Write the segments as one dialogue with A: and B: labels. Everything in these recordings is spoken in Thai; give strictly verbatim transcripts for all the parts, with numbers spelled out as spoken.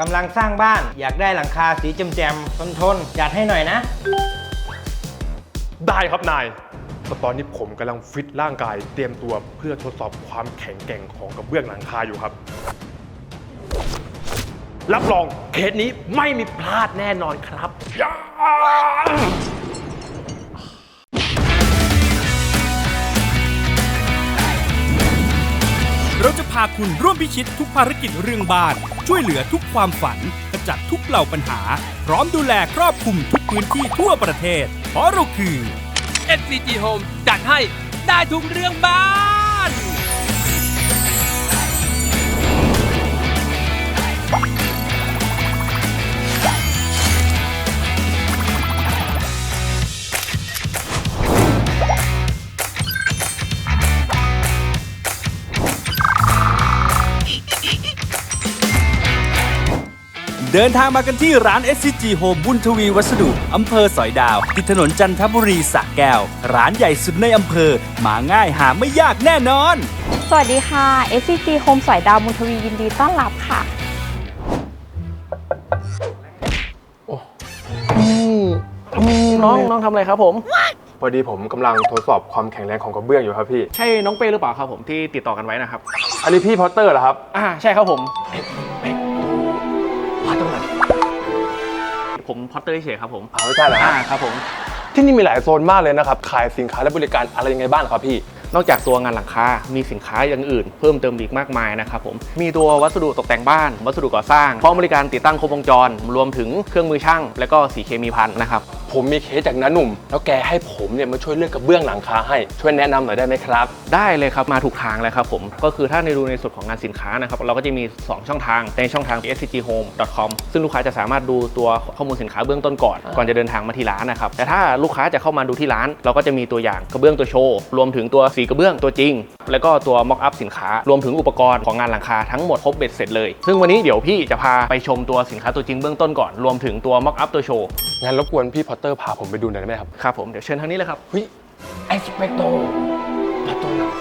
A: กำลังสร้างบ้านอยากได้หลังคาสีแจ่มๆทนทนจัดให้หน่อยนะ
B: ได้ครับนายแต่ตอนนี้ผมกำลังฟิตร่างกายเตรียมตัวเพื่อทดสอบความแข็งแกร่งของกระเบื้องหลังคาอยู่ครับรับรองเคสนี้ไม่มีพลาดแน่นอนครับยา
C: เราจะพาคุณร่วมพิชิตทุกภารกิจเรื่องบ้านช่วยเหลือทุกความฝันขจัดทุกเหล่าปัญหาพร้อมดูแลครอบคลุมทุกพื้นที่ทั่วประเทศเพราะเราคือ
D: เอส ซี จี Home จัดให้ได้ทุกเรื่องบ้าน
C: เดินทางมากันที่ร้าน เอส ซี จี Home บุญทวีวัสดุอำเภอสอยดาวติดถนนจันทบุรีสระแก้วร้านใหญ่สุดในอำเภอมาง่ายหาไม่ยากแน่นอน
E: สวัสดีค่ะ เอส ซี จี Home สอยดาวบุญทวียินดีต้อนรับค่ะ
F: น้องน้องทำอะไรครับผม
B: พอดีผมกำลังทดสอบความแข็งแรงของกระเบื้องอยู่ครับพี่
F: ใช่น้องเป้หรือเปล่าครับผมที่ติดต่อกันไว้นะครับ
B: อันนี้พี่พอตเตอร์เหรอครับ
F: อ่าใช่ครับผมพอตเตอร์ผมพอตเตอร์เฉยครับผม
B: อ๋อไม่ใช่เหรอฮะ
F: อ่าครับผม
B: ที่นี่มีหลายโซนมากเลยนะครับขายสินค้าและบริการอะไรยังไงบ้างครับพี่
F: นอกจากตัวงานหลังคา มีสินค้าอย่างอื่นเพิ่มเติมอีกมากมายนะครับผม มีตัววัสดุตกแต่งบ้าน วัสดุก่อสร้างพร้อมบริการติดตั้งครบวงจร รวมถึงเครื่องมือช่าง และก็สีเคมีภัณฑ์นะครับ
B: ผมมีเคสจากน้าหนุ่มแล้วแกให้ผมเนี่ยมาช่วยเลือกกระเบื้องหลังคาให้ช่วยแนะนำหน่อยได้ไหมครับ
F: ได้เลยครับมาถูกทางเลยครับผมก็คือถ้าในดูในส่วนของงานสินค้านะครับเราก็จะมีสองช่องทางในช่องทาง เอส ซี จี โฮม ดอท คอม ซึ่งลูกค้าจะสามารถดูตัวข้อมูลสินค้าเบื้องต้นก่อนก่อนจะเดินทางมาที่ร้านนะครับแต่ถ้าลูกค้าจะเข้ามาดูที่ร้านเราก็จะมีตัวอย่างกระเบื้องตัวโชว์รวมถึงตัวสีกระเบื้องตัวจริงแล้วก็ตัว mock up สินค้ารวมถึงอุปกรณ์ของงานหลังคาทั้งหมดครบเบ็ดเสร็จเลยซึ่งวันนี้เดี๋ยวพี่จะพาไปชมตัวสินค้าตัวจริงเบื้องต้นก่อนรวมถึงตัว mock up ตัวโชว์
B: งั้นรบกวนพี่พอตเตอร์พาผมไปดูหน่อยได้ไหมครับ
F: ครับผมเดี๋ยวเชิญทางนี้เลยครับ
B: เฮ้ยไอสเปกโตมาตัวหนัก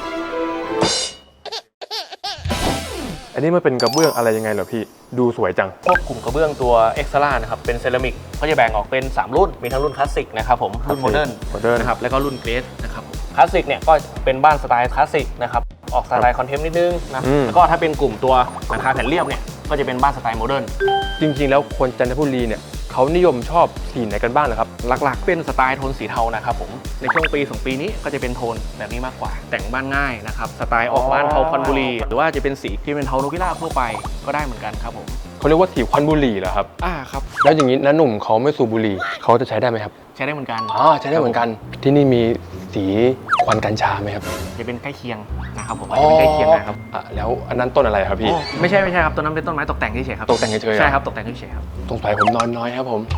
B: อันนี้มันเป็นกระเบื้องอะไรยังไงเหรอพี่ดูสวยจัง
F: พวกกลุ่มกระเบื้องตัวเอ็กซ์ตร้านะครับเป็นเซรามิกเขาจะแบ่งออกเป็นสามรุ่นมีทั้งรุ่นคลาสสิกนะครับผมรุ่นโมเดิร์น
B: โมเดิร์น
F: นะครับแล้วก็รุ่นเกรดนะครับคลาสสิกเนี่ยก็เป็นบ้านสไตล์คลาสสิกนะครับออกสไตล์คอนเทมป์นิดนึงนะแล้วก็ถ้าเป็นกลุ่มตัวหลังคาแผ่นเรียบเนี่ยก็จะเป็นบ้านสไตล์โมเดิร์น
B: จริงๆแล้วคนจันทบุรีเนี่ยเขานิยมชอบสีไหนกันบ้างเหรอครับ
F: หลักๆเป็นสไตล์โทนสีเทานะครับผมในช่วงปีสองปีนี้ก็จะเป็นโทนแบบนี้มากกว่าแต่งบ้านง่ายนะครับสไตล์ออกบ้านเทาคอนบุรีหรือว่าจะเป็นสีที่เป็นเทานกพิราบทั่วไปก็ได้เหมือนกันครับผม
B: เขาเรียกว่าสีควันบุหรี่เหรอครับ
F: อ่าครับ
B: แล้วอย่างนี้น้าหนุ่มเขาไม่สูบบุหรี่เขาจะใช้ได้ไหมครับ
F: ใช้ได้เหมือนกัน
B: อ๋อใช้ได้เหมือนกันที่นี่มีสีควันกัญชาไหมครับ
F: จะเป็นใกล้เคียงนะครับผมอาจจะเป็นใกล้เคียงนะครับ
B: อ่ะแล้วอันนั้นต้นอะไรครับพี่
F: ไม่ใช่ไม่ใช่ครับต้นนั้นเป็นต้นไม้ตกแต่งเฉยๆครับ
B: ตกแต่งเฉยๆ
F: ใช่ครับตกแต่งเฉยๆครับ
B: สงสัยผมนอนน้อยครับผม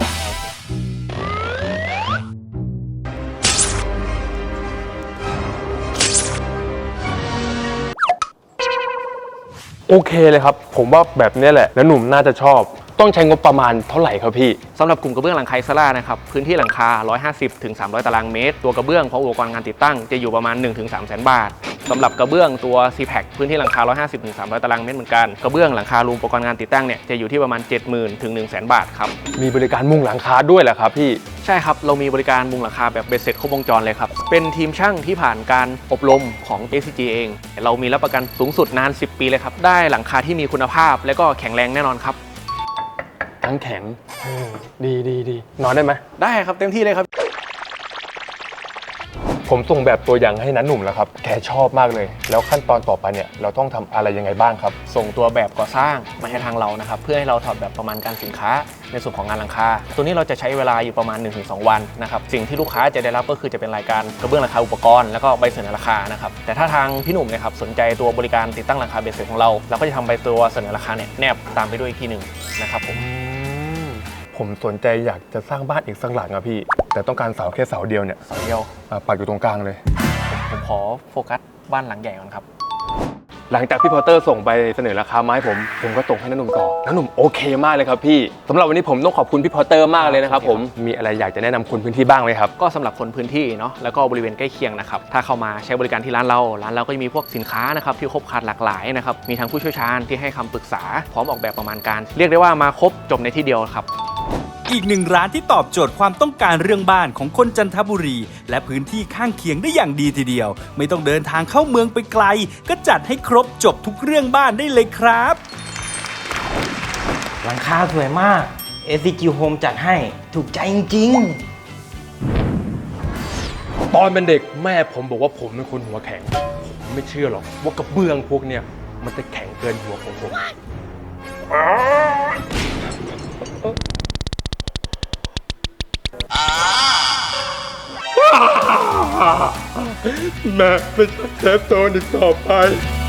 B: โอเคเลยครับผมว่าแบบนี้แหละแล้วหนุ่มน่าจะชอบต้องใช้งบประมาณเท่าไหร่ครับพี่
F: สำหรับกลุ่มกระเบื้องหลังคาอิสระนะครับพื้นที่หลังคาหนึ่งร้อยห้าสิบถึงสามร้อยตารางเมตรตัวกระเบื้องพร้อมอุปกรณ์งานติดตั้งจะอยู่ประมาณ หนึ่งถึงสามแสนบาทสำหรับกระเบื้องตัว ซี แพ็ค พื้นที่หลังคาหนึ่งร้อยห้าสิบถึงสามร้อยตารางเมตรเหมือนกันกระเบื้องหลังคารวมอุปกรณ์งานติดตั้งเนี่ยจะอยู่ที่ประมาณ เจ็ดหมื่นถึงหนึ่งแสนบาทครับ
B: มีบริการมุงหลังคาด้วยเหรอครับพี่
F: ใช่ครับเรามีบริการมุงหลังคาแบบเบ็ดเสร็จครบวงจรเลยครับเป็นทีมช่างที่ผ่านการอบรมของ เอส ซี จี เองเรามีรับประกันสูงสุดนานสิบปีเลยครับได้หลังคาที่มีคุณภาพและก็แข็งแรงแน่นอนครับ
B: ทั้งแข็งดีดีดีนอนได้ไหม
F: ได้ครับเต็มที่เลยครับ
B: ผมส่งแบบตัวอย่างให้นันหนุ่มแล้วครับแกชอบมากเลยแล้วขั้นตอนต่อไปเนี่ยเราต้องทำอะไรยังไงบ้างครับ
F: ส่งตัวแบบก่อสร้างมาให้ทางเรานะครับเพื่อให้เราถอดแบบประมาณการสินค้าในส่วนของงานหลังคาตัวนี้เราจะใช้เวลาอยู่ประมาณ หนึ่งถึงสอง วันนะครับสิ่งที่ลูกค้าจะได้รับก็คือจะเป็นรายการกระเบื้องราคาอุปกรณ์แล้วก็ใบเสนอราคานะครับแต่ถ้าทางพี่หนุ่มนะครับสนใจตัวบริการติดตั้งหลังคาเบ็ดเสร็จของเราเราก็จะทำใบตัวเสนอราคาเนี่ยแนบตามไปด้วยอีกทีหนึ่งนะครับผม
B: ผมสนใจอยากจะสร้างบ้านอีกสักหลังอะพี่แต่ต้องการเสาแค่เสาเดียวเนี่ย
F: เสาเดียว
B: ปักอยู่ตรงกลางเลย
F: ผมขอโฟกัสบ้านหลังใหญ่ก่อนครับ
B: หลังจากพี่พอตเตอร์ส่งไปเสนอราคามาให้ผมผมก็ส่งให้น้าหนุ่มต่อน้าหนุ่มโอเคมากเลยครับพี่สำหรับวันนี้ผมต้องขอบคุณพี่พอตเตอร์มากเลยนะครับผมมีอะไรอยากจะแนะนำคนพื้นที่บ้างไหมครับ
F: ก็สำหรับคนพื้นที่เนาะแล้วก็บริเวณใกล้เคียงนะครับถ้าเข้ามาใช้บริการที่ร้านเราร้านเราก็จะมีพวกสินค้านะครับที่ครบครันหลากหลายนะครับมีทั้งผู้เชี่ยวชาญที่ให้คำปรึกษาพร้อมออกแบบประมาณการเรียกได้ว่ามาครบจบในที่เดียวครับ
C: อีกหนึ่งร้านที่ตอบโจทย์ความต้องการเรื่องบ้านของคนจันทบุรี และพื้นที่ข้างเคียงได้อย่างดีทีเดียว ไม่ต้องเดินทางเข้าเมืองไปไกล ก็จัดให้ครบจบทุกเรื่องบ้านได้เลยครับ
A: หลังคาสวยมาก เอส ซี จี Home จัดให้ถูกใจจริงๆ
B: ตอนเป็นเด็กแม่ผมบอกว่าผมเป็นคนหัวแข็งผมไม่เชื่อหรอกว่ากระเบื้องพวกเนี้ยมันจะแข็งเกินหัวของผมแม่ไม่ใช่เซฟโซนอีกต่อไป